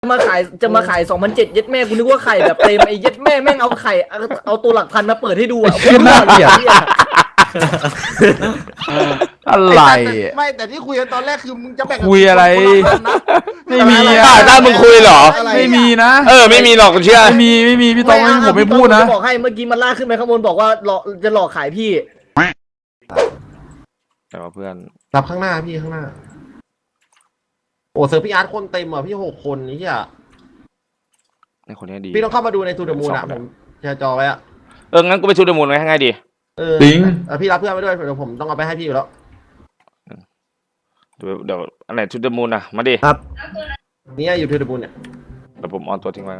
จะมาขาย2,700เย็ดแม่กูนึกว่าไข่แบบเต็มไอ้เย็ดแม่แม่งเอาไข่เอาตัวหลักพันมาเปิดให้ดูอ่ะเหี้ยน่าเกลียด อะไรไม่แต่ที่คุยกันตอนแรกคือมึงจะแบ่งคุยอะไร ไม่มีอะได้มึงคุยเหรอไม่มีนะไม่มีหรอกเชื่อไม่มีพี่ตองผมไม่พูดนะจะบอกให้เมื่อกี้มันลากขึ้นไปข้างบนบอกว่าจะหลอกขายพี่แต่ว่าเพื่อนรับข้างหน้าพี่ข้างหน้าโอ้เซอร์พี่อาร์ตคนเต็มอ่ะพี่6 คนนี่อ่ะในคนนี้ดีพี่ต้องเข้ามาดูในทูเดอะมูนอ่ะผมแชร์จอไว้อ่ะงั้นกูไปชูดมูลไว้ให้ง่ายดีจริงพี่รับเพื่อนไปด้วยเดี๋ยวผมต้องเอาไปให้พี่อยู่แล้วเดี๋ยวอันไหนชูดมูลนะมาดินี่อยู่ทูเดอะมูนเนี่ยเดี๋ยวผมออนตัวทิ้งไว้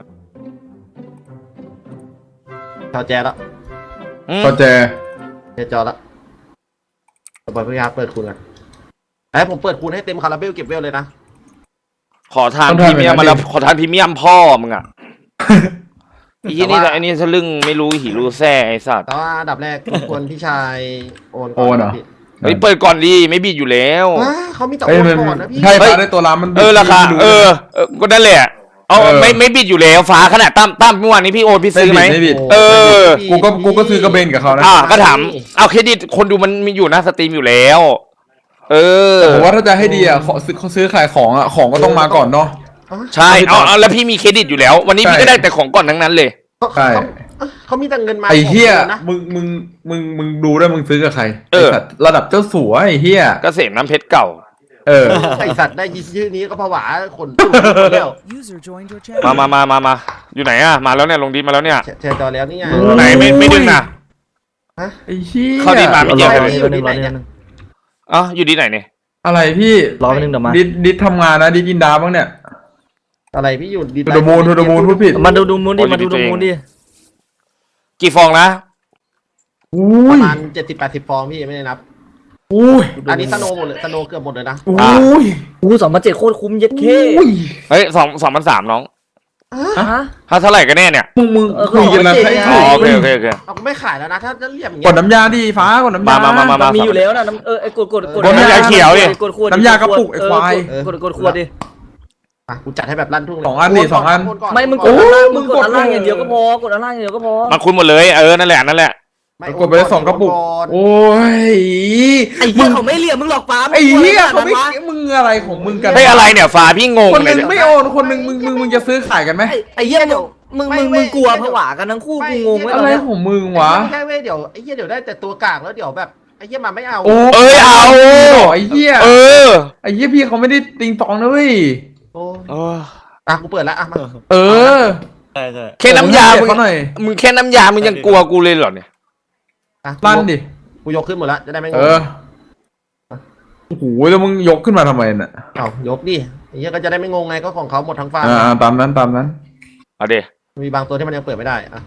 ชาวแจแล้วก็แจแชร์จอแล้วต่อไปพี่อาร์ตเปิดคูณกันไอ้ผมเปิดคูณให้เต็มคาราเบลเก็บเวลเลยนะขอทานพรีเมียมมาแล้วขอทานพรีเมียมพ่อมึงอ่ะอีนี่แต่อันนี้ทะลึ่งไม่รู้หิรู้แซ่ไอ้สัตว์แต่ว่าอันดับแรกควรพี่ชายโอนโอนเหรอเฮ้ยเปิดก่อนดีไม่บิดอยู่แล้วเขามีแต่โอเอ้ยนมันก่อนนะพี่ใช่ฟ้าได้ตัวร้านมันราคาไม่รู้ก็นั่นแหละเอาไม่บิดอยู่แล้วฟ้าขนาดตั้มเมื่อวานนี้พี่โอนพี่ซื้อไหมไม่บิด กูก็ซื้อกระเบนกับเขานะก็ถามเอาเครดิตคนดูมันมีอยู่หน้าสตรีมอยู่แล้วผมว่าถ้าจะให้ดีอ่ะเขาซื้อขายของอ่ะของก็ต้องมาก่อนเนาะใช่เอาแล้วพี่มีเครดิตอยู่แล้ว วันนี้พี่ก็ได้แต่ของก่อนทั้งนั้นเลยใช่เขามีแต่เงินมาไอ้เหี้ยนะมึงดูด้วยมึงซื้อกับใครไอ้สัตว์ระดับเจ้าสัวไอ้เหี้ยเกษมน้ำเพชรเก่าไอสัตว์ได้ยินชื่อนี้ก็ผวาขนตุ้มเดียวมาอยู่ไหนอะมาแล้วเนี่ยลงดีมาแล้วเนี่ยแชร์จอแล้วนี่ไงไหนไม่ดึงนะไอ้เหี้ยเข้าดีมาไม่เยอะเลยอยู่ที่ไหนเนี่ยอยู่ที่ไหนเนี่ยอะไรพี่รอไปนึงเดี๋ยวมาดิดทำงานนะดิดกินดาบ้างเนี่ยอะไรพี่อยู่ดีทูเดอะมูนพูดผิดมาดูมูนดิมาดูมูนดิกี่ฟองนะอุ้ประยมาณ70-80 ฟองพี่ไม่ได้นับอุ้ยอันนี้สโนว์หมดเลยสโนว์เกือบหมดเลยนะอุ้ย 2,700โคตรคุ้มเย็ดเคอุ้ยเฮ้ย2,300น้องฮะถ้าเท่าไหร่กันแน่เนี่ยมึงคุยกันแล้วให้อ๋โอถูกเคเอาไม่ขายแล้วนะถ้าจะเรียบอย่างกเงี้ดยน้ำยาดิฟ้ากดน้ำยามามันมีอยู่แล้วนะไอ้กดน้ำยาเขียวดิกดขวดน้ำยากระปุกไอ้ควายกดขวดดิกูจัดให้แบบลั่นทุ่งเลยสองอันดิสองอันไม่มึงกดอันล่างอย่างเดียวก็พอกดอันล่างอย่างเดียวก็พอมันคุ้นหมดเลยนั่นแหละกดไปได้2 กระปุกโอ้ยไอ้เหี้ยเขาไม่เหลี่ยมมึงหรอกฟ้าไอ้เหี้ยเขาไม่มึงอะไรของมึงกันได้อะไรเนี่ยฟ้าพี่งงคนหเลนึยงเนี่ยไม่โอนคนหนึงมึงจะซื้อขายกันไหมไอ้เหี้ยมึงกลัวผวากันทั้งคู่กูงงไว้อะไรของมึงวะไม่ใช่เว้ยเดี๋ยวไอ้เหี้ยเดี๋ยวได้แต่ตัวกากแล้วเดี๋ยวแบบไอ้เหี้ยมาไม่เอาโอ้เอาไอ้เหี้ยเออไอ้เหี้ยพี่เขาไม่ได้ติงตองนะเว้ยโอ้กูเปิดแล้วมาเออแค่น้ำยามึงเขาหน่อยแค่น้ำยามึงยังกลัวกูเลยเหรอเนี่ยลั่นดิกูยกขึ้นหมดแล้วจะได้ไม่งเอง อโอ้โหแล้วมึงยกขึ้นมาทำไมน่ะเอายกดิไอ้เหี้ยก็จะได้ไม่งงไงก็ของเขาหมดทั้งฟาร์มตามนั้นเอาดิมีบางตัวที่มันยังเปิดไม่ได้อะ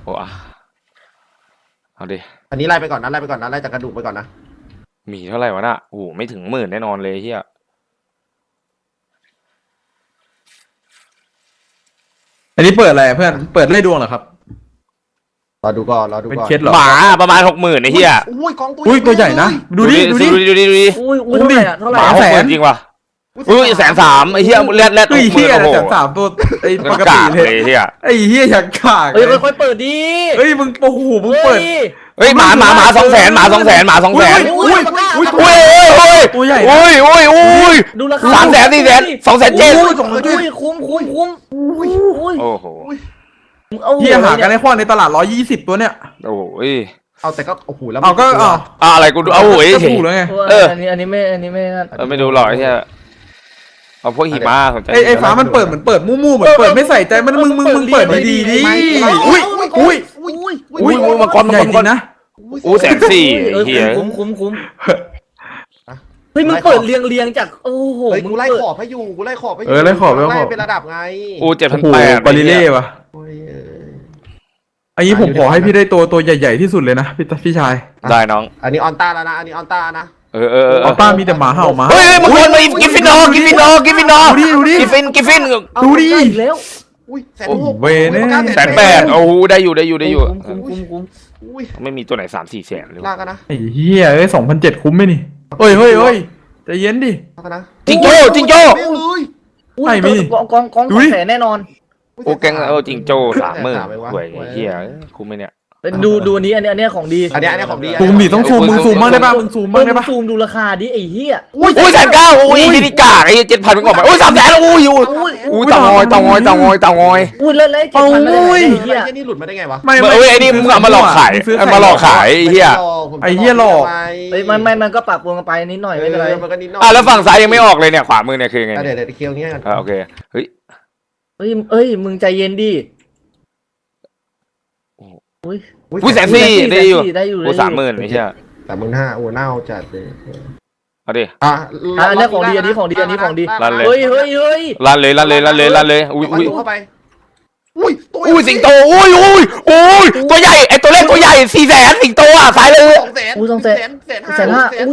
เอาดิอันนี้ไล่ไปก่อนนะไล่จากกระดูกไปก่อนนะมีเท่าไหร่วะน่ะโอ้โหไม่ถึง10,000แน่นอนเลยเฮียอันนี้เปิดอะไรเพื่อนเปิดไล่ดวงเหรอครับรอดูก่อนเป็นเคสเหรอหมาประมาณ60,000ไอ้เฮียอุ้ยกองตัวอุ้ยตัวใหญ่นะดูดิอุ้ยเท่าไหร่อะเท่าไหหร่มาอะ 60,000จริงว่ะ130,000ไอ้เฮียแรดเฮ้ยเหี้ย130,000ตัวไอ้ปกติเลยเฮียไอ้เหี้ยอยากขากเฮ้ยค่อยๆเปิดดิเฮ้ยมึงโอ้โหมึงเปิดเฮ้ยหมา200,000หมา200,000หมา200,000 อุ้ย ตัวใหญ่นะอุ้ยดูราคา 300,000 400,000 270,000 อุ้ยคุ้มอุ้ยโอ้โหเหี้ยหากันในข้อในตลาด120ตัวเนี่ยโอ้โหเอาแต่ก็โอ้โหแล้วเอาก็เอาอะไรกูดูเอาโอ้ยก็ถูกแล้วไงอันนี้ไม่ไม่ดูหรอกไอ้เฮียเอาพวกหิมะสนใจไอ้ฟ้ามันเปิดเหมือนเปิดมู่ๆเหมือนเปิดไม่ใส่ใจมันมึงเปิดดีๆดิอุ้ยมังกรใหญ่จริงนะ 140,000ไอ้เฮียคุ้มเฮ้ยมึงเปิดเรียงจากโอ้โหเฮ้ยมึกูงไล่เปิดขอบให้อยู่กูไล่ขอบให้อยู่ไล่ขอบไล่เป็นระดับไงโอ้โห 7,800 บาริเล่ว่ะอันนี้ผมขอให้พี่ได้ตัวใหญ่ๆที่สุดเลยนะพี่ชายได้น้องอันนี้ออนต้าแล้วนะอันนี้ออนต้านะเออออต้ามีแต่หมาเห่ามาเฮ้ยมังกรมากิฟฟินอกิฟฟินดูดิกิฟฟินดูดิแล้วอุ้ยโอ้โห 160,000 เวเน่ 180,000โอ้โหได้อยู่คุ้มอุ้ยไม่มีตัวไหน3-4 แสนเลยลากกันนะไอ้เหี้ย2,700คุ้มไหมนี่เฮ้ยใจเย็นดิลากกันนะจิงโจ้ไม่เลยอุ้ยไม่มีกองดูดิ 200,000แน่นอนโอ้แกงจริงโจ้30,000หวยเฮียคุ้มไหมเนี่ยดูอันนี้อันนี้ของดีอันนี้ของดีซูมดิต้องซูมมึงซูมบ้างได้ป่ะมึงซูมบ้างได้ป่ะซูมดูราคาดิไอ้เหี้ยอุ้ย1,900อุ้ยนี่กากไอ้7,000มันออกมาอุ้ย300,000อุ้ยอุ้ยเตางอยอุ้ยแล้วไอ้7,000มันได้ไงไอ้ไอ้เหี้ยนี่หลุดมาได้ไงวะไม่เอ้ยไอ้นี่มึงเอามาหลอกขายมาหลอกขายไอ้เฮียไอ้เหี้ยหลอกเฮ้ยมันก็ปรับปรุงกันไปนิดหน่อยไม่เป็นไรมันก็นิดหน่อยอ่ะแล้วฝั่งซ้ายยังไม่ออกเลยเนี่ยขวามือเนี่ยคือไงเดี๋ยวเคียวนี้กันโอเคเฮ้ยเอ้ยมึงใจเย็นดิอุ้ยอุ้ย140,000ได้อยู่ได้อยู่โอ้30,000ไอ้เหี้ย 35,000โอ้เน่าจัดเลยเอาดิอันนี้ของดีอันนี้ของดีลั่นเลยเฮ้ยลั่นเลยอุ้ยเข้าไปตัวอุ้ยสิงโตอุ้ยตัวใหญ่ไอ้ตัวเล็กตัวใหญ่400,000สิงโตอ่ะสายเลย 300,000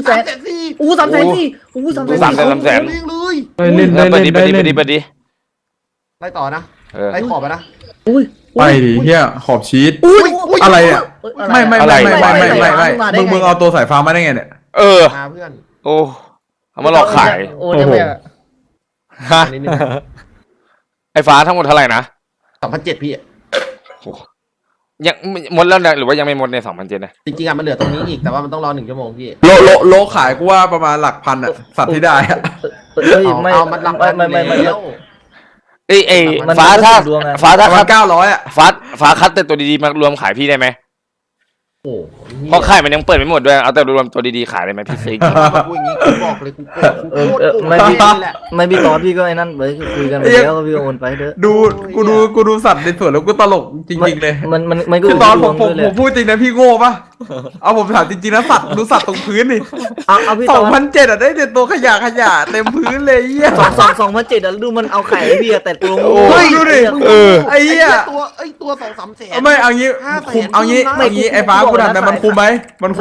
300,000เลยเล่นเปิดดิไล่ต่อนะไล่ขอบไปนะอุ้ยไปดิเฮียขอบชีสอุ้ยอะไรอ่ะไม่มึงเอาตัวสายฟ้ามาได้ไงเนี่ยเออมาเพื่อนโอ้เอามาหลอกขายโอ้ยังไม่ฮะไอ้ฟ้าทั้งหมดเท่าไหร่นะ 2,700พี่ยังหมดแล้วหรือว่ายังไม่หมดใน2,700นะจริงๆมันเหลือตรงนี้อีกแต่ว่ามันต้องรอ1 ชั่วโมงพี่โลขายกูว่าประมาณหลักพันอ่ะสัตว์ที่ได้อ่ะเฮ้ยไม่เอามันรับไม่แล้วไอ้ฟ้าถ้าประมาณ900อ่ะฟ้าคัดแต่ตัวดีๆมารวมขายพี่ได้ไหมโอ้เพราะขายมันยังเปิดไม่หมดด้วยเอาแต่รวมตัวดีๆขายได้ไหมพี่ซิกมาพูดอย่างนี้กูบอกเลยกูโกรธแหละไม่พี่ตอนพี่ก็ไอ้นั่นไปคุยกันไปแล้วก็พี่โอนไปเถอะกูดูสัตว์ในสวนแล้วกูตลกจริงๆเลยมันก็คือตอนผมพูดจริงนะพี่โง่ปะเอาผมถามจริงๆนะสัตว์ดูสัตว์ตรงพื้นนี่เอาพี่ตอน 2,700อ่ะได้แต่ตัวขยะเต็มพื้นเลยเหี้ย 2,700แล้วดูมันเอาไข่ให้พี่แต่ตัวเฮ้ยดูดิไอ้เหี้ยตัว2-3 แสนไม่เอางี้คุมเอางี้ไอ้ฟ้ากูถามแต่มันคุมไหม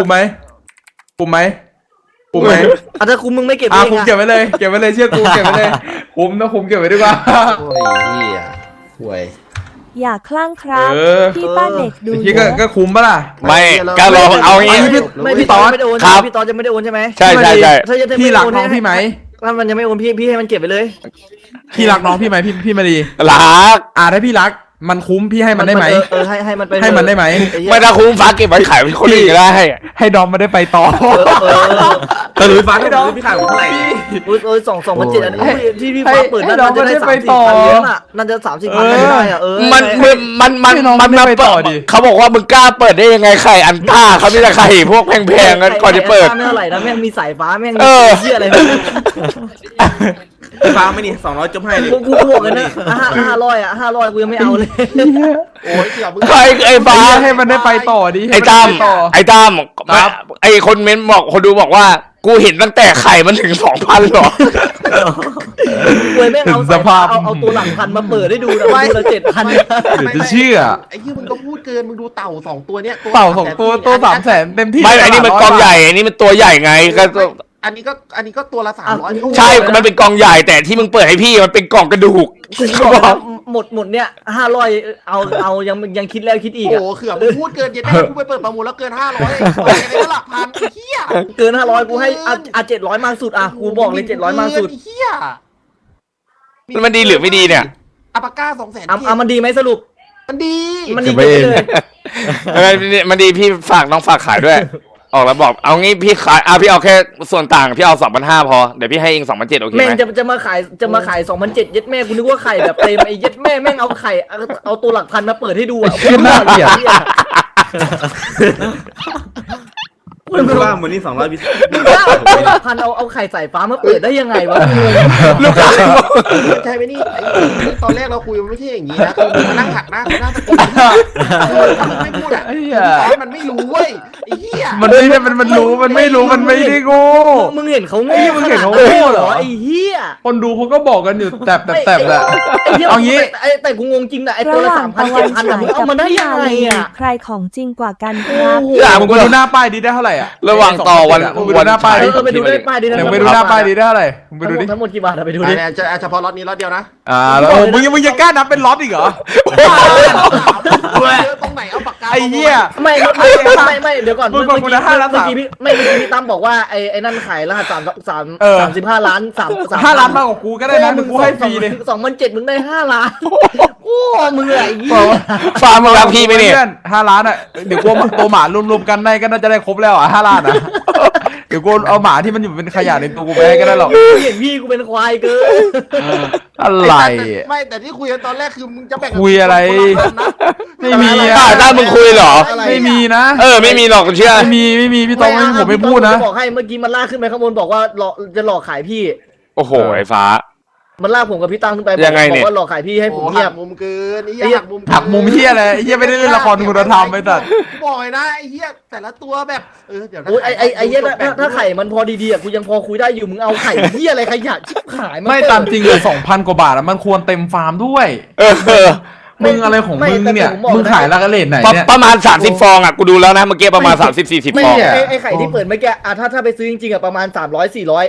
อาจจะคุมมึงไม่เก็บเองคุมเก็บไว้เลยเชื่อกูเก็บไว้เลยคุมเก็บไว้ดีกว่าโอ้ยเหี้ยห่วยอย่าคลั่งครับพี่ป้าเด็กดูพี่ก็คุมปะล่ะไม่ก็รอเอางี้ไม่พี่ตอนไม่ได้โอนพี่ตอนจะไม่ได้โอนใช่ไหมใช่พี่รักน้องพี่ไหมถ้ามันยังไม่โอนพี่ให้มันเก็บไปเลยพี่รักน้องพี่ไหมพี่มาดีรักถ้าพี่รักมันคุ้มพี่ให้มันได้ไหมให้มันไปให้มันได้ไหมไม่ถ้าคุ้มฟ้าเก็บไว้ขายเป็นคนอื่นก็ได้ให้ดอมมาได้ไปต่อแต่หรือฟ้าให้ดอมพี่ขายผมเท่าไหร่ 2,700อันนี้ที่พี่ฟ้าเปิดน่าจะได้30,000เยอะน่ะน่าจะ30,000ได้อ่ะมันมาเปิดเขาบอกว่ามึงกล้าเปิดได้ยังไงไข่อันต้าเขาไม่ได้ไข่พวกแพงๆกันก่อนจะเปิดไม่เท่าไหร่นะแม่งมีสายฟ้าแม่งเชี่ยอะไรฟ้าไม่นี่200จบให้เลยกูบวกกันนะ500กูยังไม่เอาเลยโอ้ยเสียมึงใครไอ้ฟ้าให้มันได้ไปต่อดิไอ้ตั้มไอ้คนเม้นบอกคนดูบอกว่ากูเห็นตั้งแต่ไข่มันถึง 2,000 หรอเว้ยแม่งเอาตัวหลังพันมาเปิดให้ดูนะดูละ7,000 เดี๋ยวจะเชื่อไอ้ยี่มึงก็พูดเกินมึงดูเต่า2 ตัวเนี้ยเต่า2 ตัว300,000เต็มที่ไม่อันนี้มันกองใหญ่อันนี้มันตัวใหญ่ไงก็อันนี้ก็ตัวละ300 ใช่มันเป็นกองใหญ่แต่ที่มึงเปิดให้พี่มันเป็นกล่องกระดูกหมดเนี่ย500เอายังคิดแล้วคิดอีกโอ้เขื่อมึงพูดเกินเย็นได้กูไปเปิดประมูลแล้วเกิน500ไปได้หลักพันเหี้ยเกิน500กูให้700มากสุดกูบอกเลย700มากสุดเหี้ยมันดีหรือไม่ดีเนี่ยอัปก้า200,000 มันดีไหมสรุปมันดีมันดีไปเลยมันดีพี่ฝากน้องฝากขายด้วยออกแล้วบอกเอางี้พี่ขายพี่เอาแค่ส่วนต่างพี่เอา 2,500 พอเดี๋ยวพี่ให้เอง 2,700 โอเคไหมแม่งจะมาขาย 2,700เย็ดแม่กูนึกว่าไข่แบบเต็มไอ้เย็ดแม่แม่งเอาไข่เอาตัวหลักพันมาเปิดให้ดูอ่ะน่าเกลียดคุณว่ามันนี่200 บิตตัวหลักพันเอาไข่สายฟ้ามาเปิดได้ยังไงวะลูกค้าใช่ไหมนี่ตอนแรกเราคุยมันไม่ใช่อย่างนี้นะคือมึงมานั่งหักหน้าตะกุนไม่พูดอ่ะมันไม่รู้เว้ยไอ้เหี้ยมันไม่ใช่มันรู้มันไม่รู้มันไม่ได้โง่มึงเห็นเขาโง่ขนาดนั้นเหรอไอ้เหี้ยคนดูเขาก็บอกกันอยู่แตบแหละ เอางี้แต่กูงงจริงนะไอ้ตัวละ3,000 7,000มึงเอามาได้ยังไงอ่ะใครของจริงกว่ากันครับมึงไปดูหน้าป้ายดีได้เท่าไหร่อ่ะระหว่างต่อวันไปดูหน้าป้ายดิไปดูได้ป้ายดีนะไปดูหน้าป้ายดีได้เท่าไหร่ไปดูดิทั้งหมดกี่บาทไปดูดิเฉพาะล็อตนี้ล็อตเดียวนะแล้วมึงยังกล้านับเป็นล็อตอีกเหรอตรงไหนเอาปากกาไอ้เหี้ยไม่เดี๋ยวก่อนมึงบอกกูนะ5 ล้านเมื่อกี้พี่ตั้มบอกว่าไอ้นั่นขายรหัส35 ล้าน 5 ล้านมากกว่ากูก็ได้นะมึงกูให้ฟรีเลย 2007มึงได้5 ล้านโอ้มึงอะไรอย่างงี้ฟาร์มมึงรักพี่ไหมเนี่ย 5 ล้านอ่ะเดี๋ยวกูตัวหมารวมๆกันได้ก็น่าจะได้ครบแล้วอ่ะ5 ล้านอ่ะเดี๋ยวกูเอาหมาที่มันอยู่เป็นขยะในตัวกูไปให้ก็ได้หรอกเห็นพี่กูเป็นควายเกินอะไรไม่แต่ที่คุยกันตอนแรกคือมึงจะแบ่งคุยอะไรคนละพันนะไม่มีได้มึงคุยเหรอไม่มีนะไม่มีหรอกเชื่อไม่มีพี่ตองผมไม่พูดนะบอกให้เมื่อกี้มันลากขึ้นไปข้างบนบอกว่าจะหลอกขายพี่โอ้โหไอ้ฟ้ามันลากผมกับพี่ตั้งขึ้นไปยังไงเนี่ยบอกว่าหลอกขายพี่ให้ผมโอ้เงียหับกมุมเกินไอ้ไอ้เหี้เหี้ยยหักมุมเกินหักมุมที่อะไรไอ้เหี้ยไม่ได้เล่นละครคุณธรรมไปตัดบ่อยนะไอ้เหี้ยแต่ละตัวแบบเดี๋ยวนะโอ้ยไอ้เหี้ยถ้าไข่มันพอดีๆอ่ะกูยังพอคุยได้อยู่มึงเอาไข่เหี้ยอะไรขยะชิบหายไม่ตามจริงเลย2,000 กว่าบาทอะมันควรเต็มฟาร์มด้วย มึงอะไรของมึงเนี่ยมึงขายราคาเลทไหนเนี่ยประมาณ30 ฟองอ่ะกูดูแล้วนะเมื่อกี้ประมาณ30-40 ไม่ฟองเนี่ยไอ้ไข่ที่เปิดเมื่อกี้อ่ะถ้าไปซื้อจริงๆอ่ะประมาณ300-400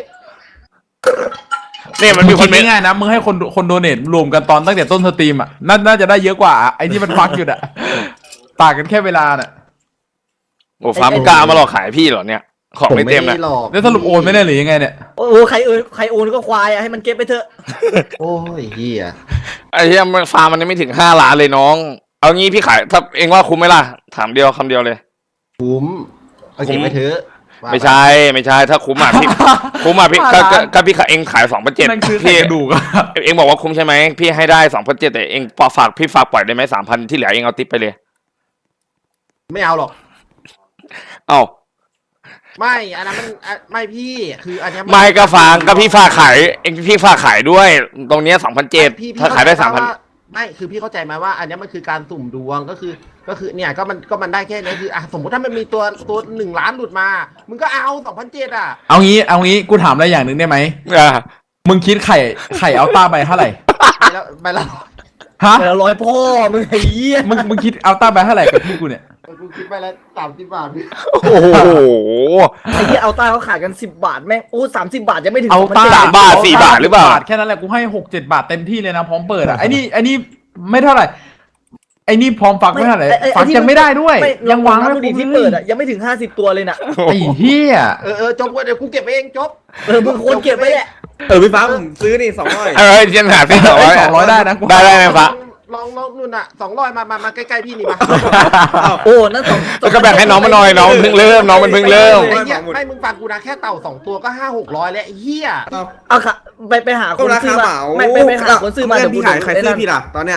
เนี่ยมันมีคนง่ายๆนะมึงให้คนโดเนทรวมกันตอนตั้งแต่ต้นสตรีมอ่ะน่าจะได้เยอะกว่าไอ้ที่มันฟักอยู่อ่ะต่างกันแค่เวลาน่ะโอ้ฟ้ามึงกล้ามาหลอกขายพี่เหรอเนี่ยของไม่เต็มนะหรอกแล้วสรุปโอนไม่ได้หรือยังไงเนี่ยโอ้ใครโอนก็ควายอ่ะให้มันเก็บไปเถอะโอ้ยเหี้ยไอ้เหี้ยฟาร์มมันยังไม่ถึง5 ล้านเลยน้อง เอางี้พี่ขายถ้าเองว่าคุ้มไหมล่ะถามคำเดียวเลยคุ้มเอาเก็บไปเถอะไม่ใช่ถ้าคุ้มอ่ะพี่คุ้มอ่ะพี่ก็พี่ขายเองขาย2,700 นั่นคือพี่กระดูกอะเองบอกว่าคุ้มใช่ไหมพี่ให้ได้2,700แต่เองฝากปล่อยได้ไหม3,000ที่เหลือเองเอาติ๊บไปเลยไม่เอาหรอกเอ้าไม่อันนั้นมันไม่พี่คืออันเนี้ยไม่ก็ฟังก็พี่ฝากขายเองพี่ฝากขายด้วย ตรงเนี้ย2,700ถ้าขายได้ 3,000 ไม่คือพี่เข้าใจไหมว่า อันเนี้ยมันคือการสุ่มดวงก็คือเนี่ยก็มันได้แค่นี้คือสมมติถ้ามันมีตัว1 ล้านหลุดมามึงก็เอา2,700อ่ะเอางี้กูถามอะไรอย่างหนึ่งได้ไหมอ่ามึงคิดไข่เอาต้าไปเท่าไหร่ไปแล้วฮะแต่ละ100พ่อมึงไอ้เหี้ยมึงคิดเอาต้าไปเท่าไหร่กับพี่กูเนี่ยกูคิดไปแล้ว30 บาทพี่โอ้โหไอ้เหี้ยเอาต้าเขาขายกัน10 บาทแม่งโอ้30 บาทยังไม่ถึงเอาต้า 3 บาท 4 บาทหรือเปล่าแค่นั้นแหละกูให้6-7 บาทเต็มที่เลยนะพร้อมเปิดอ่ะไอ้นี่ไม่เท่าไหร่ไอ้นี่พร้อมฟักไม่เท่าไหร่ฟักยังไม่ได้ด้วยยังวางไม่ไม่ดูดิครที่บเปิเลดยอ่ะยังไม่ถึง50 ตัวเลยน่ะไอ้เหี้ยจบเดี๋ยวกูเก็บเองจบมึงควรเก็บไว้แหละพี่ฟ้าผมซื้อนี่200 เช่นหาที่200 200ได้นะกูได้ไหมฟ้าลองนู่นอ่ะ200มาใกล้ๆพี่นี่มาโอ้นั่นสองแล้วก็แบ่งให้น้องมาหน่อยน้องเพิ่งเริ่มน้องมันเพิ่งเริ่มไอ้เหี้ยให้มึงฟังกูนะแค่เต่า2 ตัวก็500-600แล้วไอ้เหี้ยเอาค่ะไปหาคก็นราซื้อคามาเหมาไปหาคนซื้อมาเพื่เดี๋อย นวพี่ขายใครซื้อพี่ล่ะตอนเนี้ย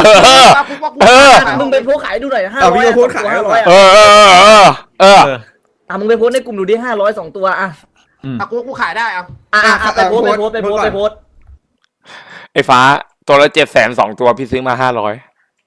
มึงไปโพสขายดูหน่อย500 เอาพี่ก็โพสต์ขายมึงไปโพสในกลุ่มดูดิ500 2 ตัวอ่ะกูขายได้เอาไปโพสไอ้ฟ้าตัวละ700,000 2 ตัวพี่ซื้อมา500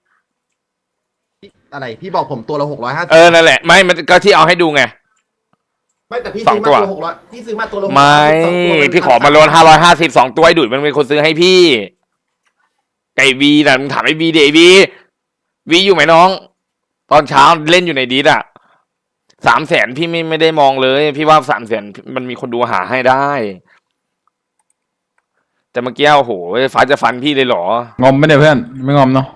อะไรพี่บอกผมตัวละ650 นั่นแหละไม่มันก็ที่เอาให้ดูไงไม่แต่พี่ซื้อมาตัว600พี่ซื้อมาตัวละ600 ไม่พี่ขอมาโลน550 2 ตัวไอ้ดุยมันเป็นคนซื้อให้พี่ไก่วีน่ะมึงถามไอ้วีเดวีอยู่ไหมน้อง ตอนเช้าเล่นอยู่ในดีดอ่ะ300,000พี่ไม่ได้มองเลยพี่ว่า300,000มันมีคนดูหาให้ได้ แต่เมื่อกี้โอ้โหฟ้าจะฟันพี่เลยเหรองอมไม่ได้เพื่อนไม่งอมเนาะ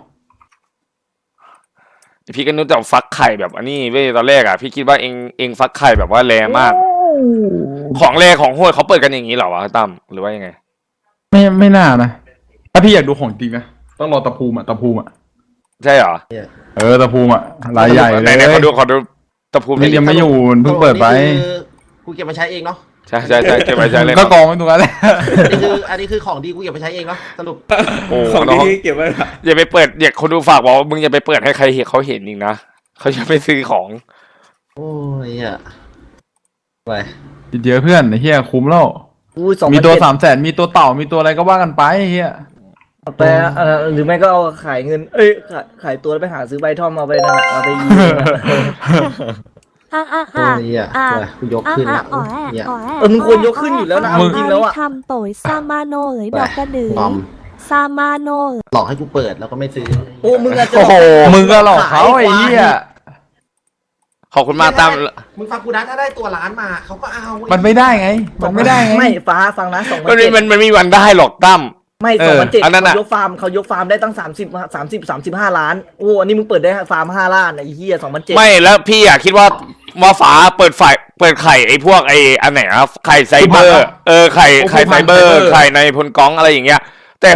พี่ก็นึกแต่ฟักไข่แบบอันนี้เว้ยตอนแรกอ่ะพี่คิดว่าเองฟักไข่แบบว่าแรงมาก ของแรงของโหดเขาเปิดกันอย่างนี้เหรอวะตั้มหรือว่ายังไงไม่น่านะถ้าพี่อยากดูของจริงนะต้องรอตะภูมิอ่ะใช่เหรอตะภูมิอ่ะรายใหญ่เลยไหนขอดูตะภูมินี่ยังไม่อยู่เพิ่งเปิดไปกูเก็บมาใช้เองเนาะใช่เก็บไว้ใช้เลยก็กองไว้ตรงนั้นแหละอันนี้คือของดีกูเก็บมาใช้เองเนาะสรุปโอ้ของน้องที่เก็บไว้ละอย่าไปเปิดอย่าคนดูฝากบอกว่ามึงอย่าไปเปิดให้ใครเห็นเขาเห็นอีกนะเขาจะไปซื้อของโอ้ยอ่ะไปเยอะเพื่อนเฮียคุ้มแล้วอุ้ยมีตัว300,000มีตัวเต่ามีตัวอะไรก็ว่ากันไปเฮียแต่หรือไม่ก็เอาขายเงินขายตัวไปหาซื้อใบท่อมเอาไปนั่นเอาไปยิงโอ้ยอ่ะกูยกขึ้นละเนี่ยมึงควรยกขึ้นอยู่แล้วนะจริงแล้วอ่ะทำโตยซามาโนเอ๋ยดอกกระดือปลอมซามาโนหลอกให้กูเปิดแล้วก็ไม่ซื้อโอ้มึงอาจจะโอ้โหมึงก็หลอกเขาไอ้เหี้ยขอบคุณมากตั้มมึงฟังกูนะถ้าได้ตัวล้านมาเขาก็เอามันไม่ได้ไงมันไม่ได้ไงไม่ฟ้าฟังนะมันมีวันได้หรอกตั้มไม่2007 อันนั้นน่ะเขายกฟาร์มได้ตั้ง35 ล้านโอ้อันนี้มึงเปิดได้ฟาร์ม5 ล้านไอ้เหี้ย2007 ไม่แล้วพี่อ่ะคิดว่าว่าฟ้าเปิดไข่ไอ้พวกไอ้อันไหนอะไข่ไซเบอร์ ไข่ไซเบอร์ไข่ในพลกองอะไรอย่างเงี้ย แต่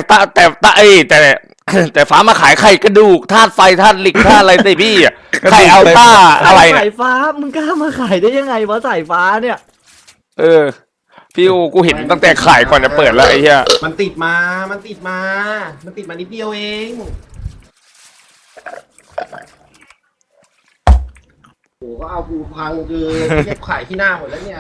แต่ฟ้ามาขายไข่กระดูกธาตุไฟธาตุเหล็กธาตุอะไรแต่พี่อะไข่อัลต้าอะไรเนี่ยสายฟ้ามึงกล้ามาขายได้ยังไงวะสายฟ้าเนี่ยพี่กูเห็นตั้งแต่ขายก่อนจะเปิดแล้วไอ้เหี้ยมันติดมานิดเดียวเองโอ้ก็เอากูพังคือเรียกขายที่หน้าหมดแล้วเนี่ย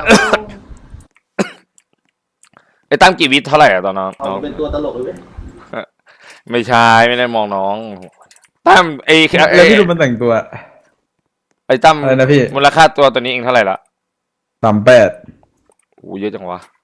ไอ้ตั้มกี่วิทเท่าไหร่อะตอนน้องเอาเป็นตัวตลกเลยเว้ยไม่ใช่ไม่ได้มองน้องตั้มแล้วพี่ดูมันแต่งตัวไอ้ตั้มอะไรนะพี่มูลค่าตัวนี้เองเท่าไหร่ละ 38 โอ้เยอะจังวะ